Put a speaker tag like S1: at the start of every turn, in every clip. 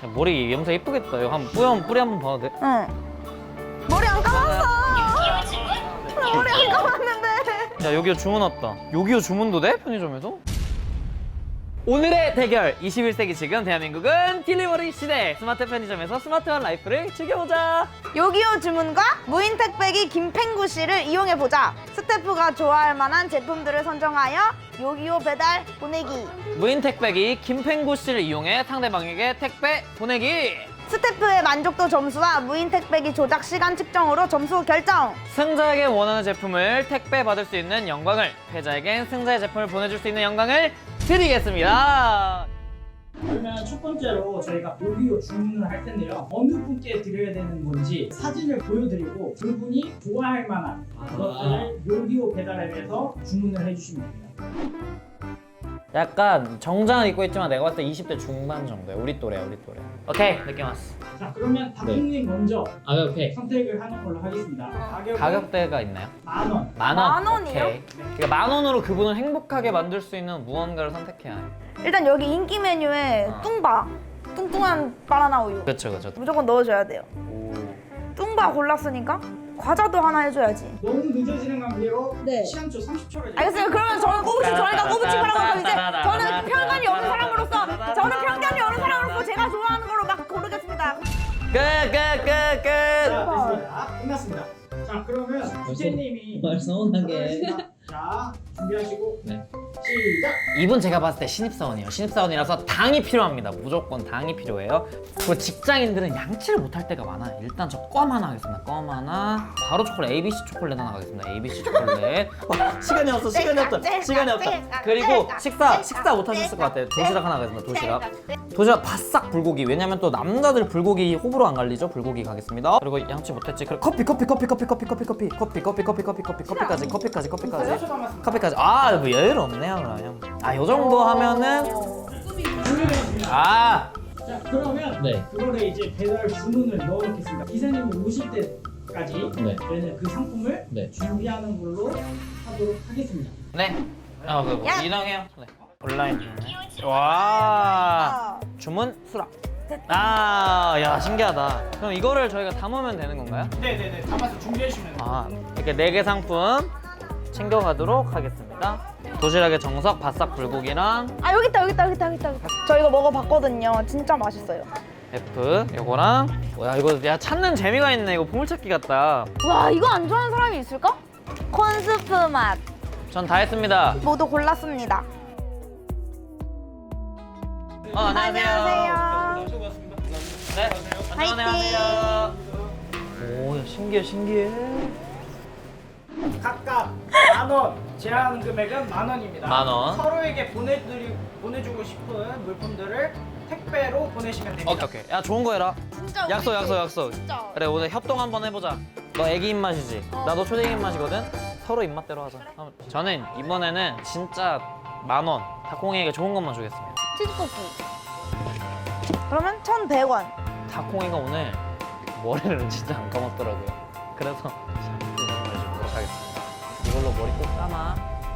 S1: 머리 염색 예쁘겠다. 이거 한번 뿌리 한번 봐도 돼?
S2: 응. 머리 안 감았어. 나 머리 안 감았는데.
S1: 야, 요기요 주문 왔다. 요기요 주문도 돼? 편의점에서? 오늘의 대결! 21세기 지금 대한민국은 딜리버리 시대! 스마트 편의점에서 스마트한 라이프를 즐겨보자!
S2: 요기요 주문과 무인 택배기 김팽구 씨를 이용해보자. 스태프가 좋아할 만한 제품들을 선정하여 요기요 배달 보내기.
S1: 무인 택배기 김팽구 씨를 이용해 상대방에게 택배 보내기!
S2: 스태프의 만족도 점수와 무인 택배기 조작 시간 측정으로 점수 결정.
S1: 승자에게 원하는 제품을 택배 받을 수 있는 영광을, 패자에겐 승자의 제품을 보내줄 수 있는 영광을 드리겠습니다.
S3: 그러면 첫 번째로 저희가 요기요 주문을 할 텐데요. 어느 분께 드려야 되는 건지 사진을 보여드리고 그분이 좋아할 만한 것들을 요기요 배달앱에서 주문을 해주시면 됩니다.
S1: 약간 정장을 입고 있지만 내가 봤을 때 20대 중반 정도야. 우리 또래야, 우리 또래. 오케이, 느낌 왔어.
S3: 자, 그러면 닭국님 먼저
S1: 오케이.
S3: 선택을 하는 걸로 하겠습니다.
S1: 가격대가 있나요?
S3: 10,000원.
S1: 만 원.
S2: 만 원이요?
S1: 오케이. 그러니까 만 원으로 그분을 행복하게 만들 수 있는 무언가를 선택해야 해.
S2: 일단 여기 인기 메뉴에 뚱바, 뚱뚱한 바나나 우유
S1: 그렇죠, 그렇죠.
S2: 무조건 넣어줘야 돼요. 뚱바 골랐으니까 과자도 하나 해줘야지.
S3: 너무 늦어지는 관계로
S2: 네.
S3: 시간초 30초를
S2: 알겠어요. 그러면 저는 저희가 꼬부치파라고 하면 이제 저는 편견이 없는 사람으로서 제가 좋아하는 걸로 막 고르겠습니다.
S1: 끝.
S3: 끝났습니다. 자, 그러면 주제님이
S4: 서운하게.
S3: 자, 준비하시고
S1: 네.
S3: 시작!
S1: 이분 제가 봤을 때 신입사원이에요. 신입사원이라서 당이 필요합니다. 무조건 당이 필요해요. 그리고 직장인들은 양치를 못할 때가 많아요. 일단 저 껌 하나 하겠습니다. 껌 하나. 바로 초콜릿, ABC 초콜릿 하나 가겠습니다. ABC 초콜릿. 와, 시간이 없어, 시간이 없다. 시간이 없다. 그리고 식사 못 하셨을 것 같아요. 도시락 하나 가겠습니다. 도시락 바싹 불고기. 왜냐면 또 남자들 불고기 호불호 안 갈리죠? 불고기 가겠습니다. 그리고 양치 못했지. 그리고 커피까지. 커피까지. 아, 뭐 여유를 없네요, 그러면. 아, 요 정도 하면은
S3: 준비되었습니다. 자, 그러면
S4: 네.
S3: 그거를 이제 배달 주문을 넣어놓겠습니다. 기사님이 오실 때까지
S4: 네.
S3: 저희는 그 상품을
S4: 네.
S3: 준비하는 걸로 하도록 하겠습니다.
S1: 네. 뭐
S2: 야.
S1: 이동해요. 네. 온라인 주문. 와. 주문 수락. 야, 신기하다. 그럼 이거를 저희가 담으면 되는 건가요?
S3: 네네네, 담아서 준비해주시면 돼요.
S1: 아, 이렇게 4개 상품 챙겨가도록 하겠습니다. 도시락의 정석, 바싹 불고기랑
S2: 아 여기 있다. 저 이거 먹어봤거든요. 진짜 맛있어요.
S1: F, 요거랑 뭐야 이거 찾는 재미가 있네. 이거 보물찾기 같다.
S2: 와 이거 안 좋아하는 사람이 있을까? 콘스프 맛
S1: 전 다 했습니다.
S2: 모두 골랐습니다.
S1: 안녕하세요.
S3: 수고하셨습니다.
S1: 네,
S2: 화이팅!
S1: 안녕하세요. 오, 야, 신기해.
S3: 각각 10,000원, 제한 금액은 10,000원입니다.
S1: 10,000원.
S3: 서로에게 보내주고 싶은 물품들을 택배로 보내시면 됩니다.
S1: 오케이. 야, 좋은 거 해라.
S2: 진짜
S1: 약속.
S2: 진짜.
S1: 그래, 오늘 협동 한번 해보자. 너 애기 입맛이지? 나도 초딩 입맛이거든? 서로 입맛대로 하자. 저는 이번에는 진짜 10,000원. 닭콩이에게 좋은 것만 주겠습니다.
S2: 치즈볶이. 그러면 1,100원.
S1: 닭콩이가 오늘 머리를 진짜 안 감았더라고요. 그래서 샴푸를 해주도록 하겠습니다. 이걸로 머리 꼭 감아.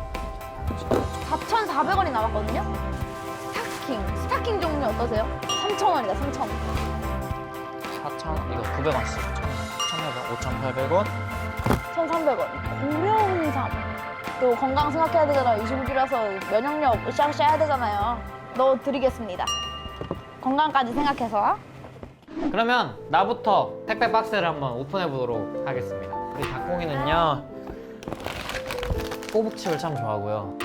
S2: 4,400원이 남았거든요. 스타킹 종류 어떠세요? 3,000원이다. 3,000원.
S1: 4,000원? 이거 900원씩. 1,800원.
S2: 1,300원. 고려홍삼. 또 건강 생각해야 되잖아요. 25주라서 면역력 으쌰으쌰 해야 되잖아요. 넣어드리겠습니다. 건강까지 생각해서.
S1: 그러면 나부터 택배 박스를 한번 오픈해 보도록 하겠습니다. 우리 닭콩이는요 꼬북칩을 참 좋아하고요.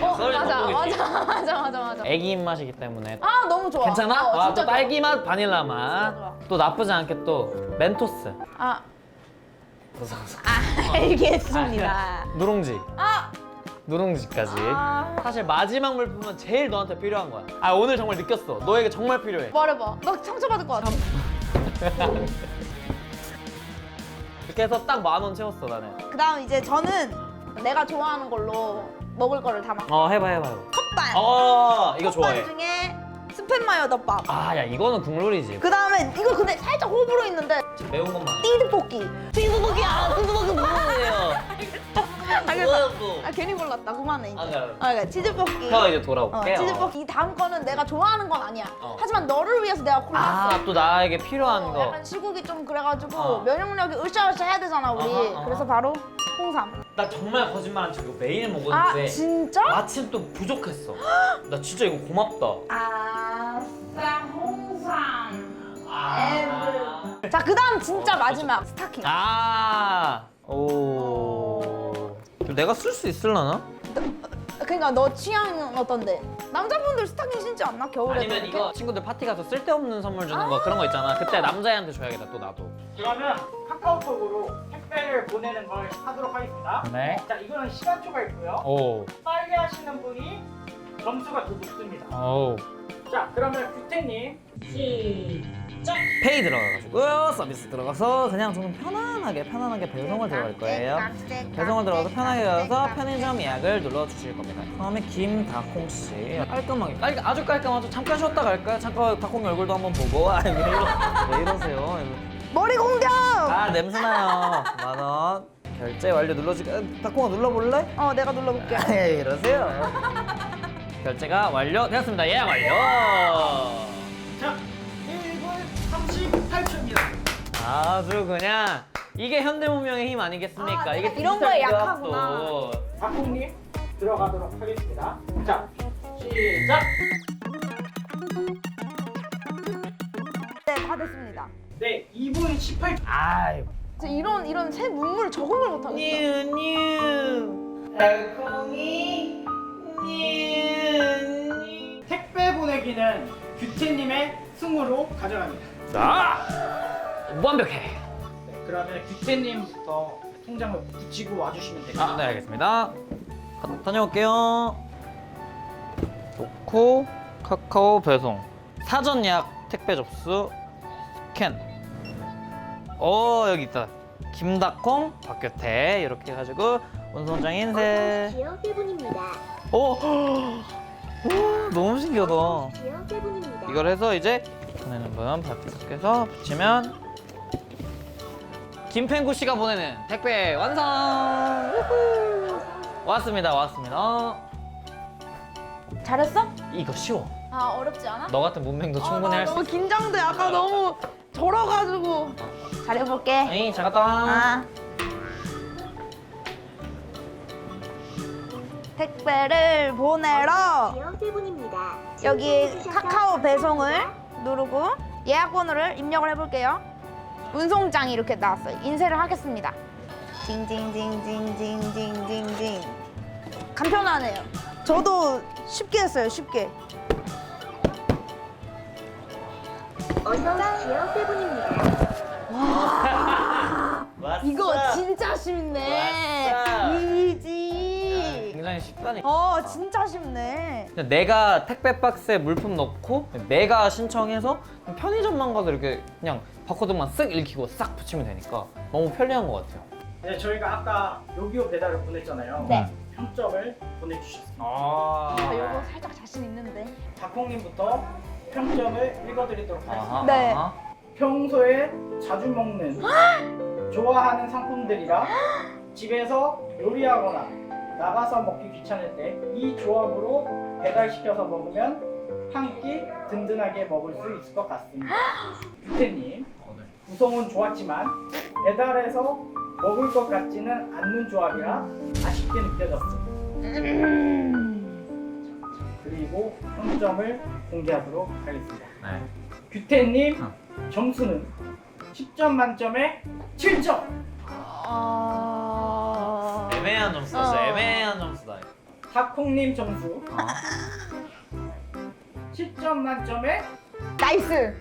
S2: 맞아.
S1: 애기 입맛이기 때문에
S2: 아 너무 좋아.
S1: 괜찮아? 와,
S2: 진짜
S1: 또 딸기 맛, 바닐라 맛.
S2: 좋아.
S1: 또 나쁘지 않게 또 멘토스.
S2: 아 알겠습니다.
S1: 누룽지.
S2: 아
S1: 누룽지까지. 사실 마지막 물품은 제일 너한테 필요한 거야. 아, 오늘 정말 느꼈어. 너에게 정말 필요해.
S2: 말해봐. 너 상처받을 것 같아.
S1: 이렇게 해서 딱 10,000원 채웠어, 나는.
S2: 그다음 이제 저는 내가 좋아하는 걸로 먹을 거를 담아.
S1: 해봐요.
S2: 컵반.
S1: 이거 좋아해.
S2: 컵반 중에 스팸 마요 덮밥.
S1: 아, 야, 이거는 국룰이지.
S2: 그다음에 이거 근데 살짝 호불호 있는데
S1: 매운 것만.
S2: 띠드볶이.
S1: 띠드볶이야. 띠드볶이 뭐예요?
S2: 아 괜히 골랐다. 그만해 이제.
S1: 아, 네.
S2: 그러니까 치즈볶이.
S1: 저 이제 돌아올게요.
S2: 치즈볶이. 이 다음 거는 내가 좋아하는 건 아니야. 하지만 너를 위해서 내가 골랐어.
S1: 아, 또 나에게 필요한 거.
S2: 약간 시국이 좀 그래가지고 면역력이 으쌰으쌰 해야 되잖아 우리. 그래서 바로 홍삼.
S1: 나 정말 거짓말 안 치고 매일
S2: 아
S1: 먹었는데
S2: 진짜?
S1: 마침 또 부족했어. 나 진짜 이거 고맙다.
S2: 아싸 홍삼.
S1: 아.
S2: 자 그다음 진짜 마지막 스타킹.
S1: 오. 내가 쓸 수 있을라나?
S2: 그러니까 너 취향은 어떤데? 남자분들 스타킹 신지 않나 겨울에?
S1: 아니면 이거 친구들 파티 가서 쓸데없는 선물 주는 거 그런 거 있잖아. 그때 남자애한테 줘야겠다 또 나도.
S3: 그러면 카카오톡으로 택배를 보내는 걸 하도록 하겠습니다.
S1: 네.
S3: 자, 이거는 시간초가 있고요.
S1: 오.
S3: 빨리 하시는 분이 점수가 더 높습니다.
S1: 오.
S3: 자, 그러면 규태님 시작!
S1: 페이 들어가가지고 서비스 들어가서 그냥 저는 편안하게 배송을 들어갈 거예요. 배송을 들어가서 편하게 가서 편의점 예약을 눌러주실 겁니다. 처음에 김다콩 씨 깔끔하게 아주 깔끔하죠. 잠깐 쉬었다 갈까요? 잠깐 다콩 얼굴도 한번 보고 왜 이러세요?
S2: 머리 공격!
S1: 아 냄새나요. 10,000원 결제 완료 눌러주기. 다콩아 눌러볼래?
S2: 내가 눌러볼게.
S1: 에이 이러세요. 결제가 완료되었습니다. 예약 완료.
S3: 자, 1분 38초입니다.
S1: 아주 그냥 이게 현대문명의 힘 아니겠습니까?
S2: 아,
S1: 이게
S2: 내가 이런
S1: 디지털
S2: 거에
S1: 기업도.
S2: 약하구나.
S3: 박홍님 들어가도록 하겠습니다. 자, 시작!
S2: 네, 다 됐습니다.
S3: 네, 2분 18초.
S1: 아이
S2: 이런 새 문물을 적응을 못하겠어.
S1: 뉴 달콩이 뉴.
S3: 택배 보내기는 규태님의 승으로 가져갑니다.
S1: 자 완벽해.
S3: 네, 그러면 규태님부터 통장을 붙이고 와주시면 됩니다.
S1: 네 알겠습니다. 다녀올게요. 놓고 카카오 배송 사전 예약 택배 접수 스캔. 여기 있다. 김다콩 박규태 이렇게 해가지고 운송장 인쇄.
S4: 지역 대본입니다.
S1: 오 너무 신기하다.
S4: 지역 대본입니다.
S1: 이걸 해서 이제 보내는 분 밖에서 붙이면 김팽구 씨가 보내는 택배 완성. 우후. 왔습니다.
S2: 잘했어?
S1: 이거 쉬워.
S2: 아 어렵지 않아?
S1: 너 같은 문맹도 충분히
S2: 나
S1: 할 수
S2: 너무
S1: 있어.
S2: 긴장돼. 아까 너무 절어가지고. 잘해볼게.
S1: 에이 잘 갔다 와.
S2: 아. 택배를 보내러
S4: 지역 대본입니다.
S2: 여기 카카오 배송을 누르고 예약 번호를 입력을 해볼게요. 운송장이 이렇게 나왔어요. 인쇄를 하겠습니다. 징징징징징징징징. 간편하네요. 저도 쉽게 했어요. 쉽게.
S4: 언더 지역 대본입니다.
S1: 왔어.
S2: 이거 진짜 쉽네.
S1: 왔어.
S2: 이지.
S1: 굉장히 쉽다니까.
S2: 진짜 쉽네.
S1: 그냥 내가 택배 박스에 물품 넣고 내가 신청해서 그냥 편의점만 가서 이렇게 그냥 바코드만 쓱 읽히고 싹 붙이면 되니까 너무 편리한 것 같아요.
S3: 네, 저희가 아까 요기요 배달을 보냈잖아요.
S2: 네.
S3: 평점을 보내주셨습니다.
S2: 이거 살짝 자신 있는데.
S3: 박홍님부터 평점을 읽어드리도록 하겠습니다.
S1: 아하,
S2: 네.
S1: 아하.
S3: 평소에 자주 먹는 좋아하는 상품들이라 집에서 요리하거나 나가서 먹기 귀찮을 때 이 조합으로 배달시켜서 먹으면 한 끼 든든하게 먹을 수 있을 것 같습니다. 규태님, 구성은 좋았지만 배달해서 먹을 것 같지는 않는 조합이라 아쉽게 느껴졌습니다. 그리고 평점을 공개하도록 하겠습니다.
S1: 네.
S3: 규태님 점수는 10점 만점에 7점.
S1: 애매한 점수다. 애매한 점수다.
S3: 탁콩님 점수 10점 만점에
S2: 나이스.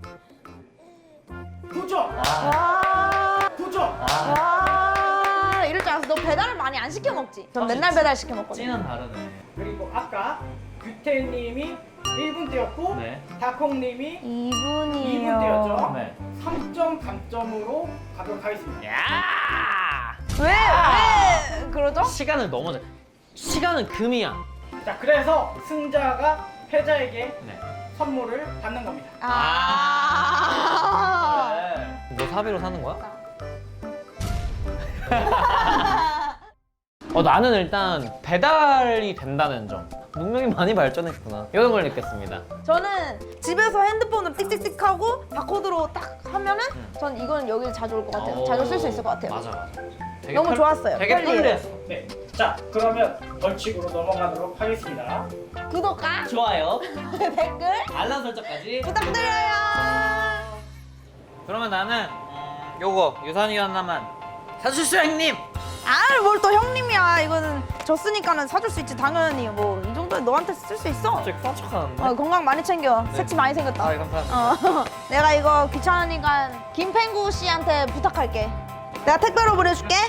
S3: 9점.
S2: 와.
S3: 9점.
S2: 와. 이럴 줄 알았어. 너 배달을 많이 안 시켜 먹지? 전 맨날 배달 시켜 먹거든.
S1: 찌는 다르네.
S3: 그리고 아까 규태님이 1분 뛰었고
S1: 네.
S3: 탁콩님이
S2: 2분이에요.
S3: 2분 뛰었죠.
S1: 네.
S3: 3점 감점으로 가도록 하겠습니다.
S1: 야!
S2: 왜 그러죠?
S1: 시간을 너무 잘. 시간은 금이야.
S3: 자, 그래서 승자가 패자에게
S1: 네.
S3: 선물을 받는 겁니다.
S2: 아.
S1: 너 사비로 사는 거야? 나는 일단 배달이 된다는 점. 문명이 많이 발전했구나. 이런 걸 느꼈습니다.
S2: 저는 집에서 핸드폰으로 띡띡띡하고 바코드로 딱 하면은 전 이건 여기 자주 올 것 같아요. 자주 쓸 수 있을 것 같아요.
S1: 맞아. 되게
S2: 너무 좋았어요.
S1: 되게
S2: 편리해요.
S1: 편리했어.
S3: 네. 자, 그러면 벌칙으로 넘어가도록 하겠습니다.
S2: 구독과
S1: 좋아요.
S2: 댓글
S1: 알람 설정까지.
S2: 부탁드려요.
S1: 그러면 나는 요거 유산이 하나만 사주시오 형님.
S2: 뭘 또 형님이야. 이거는 졌으니까는 사줄 수 있지. 당연히 뭐 이 정도는 너한테 쓸 수 있어.
S1: 갑자기 꽉척하는데.
S2: 건강 많이 챙겨. 새치 많이 생겼다.
S1: 감사합니다.
S2: 내가 이거 귀찮으니까 김팽구 씨한테 부탁할게. 내가 택배로 보내줄게.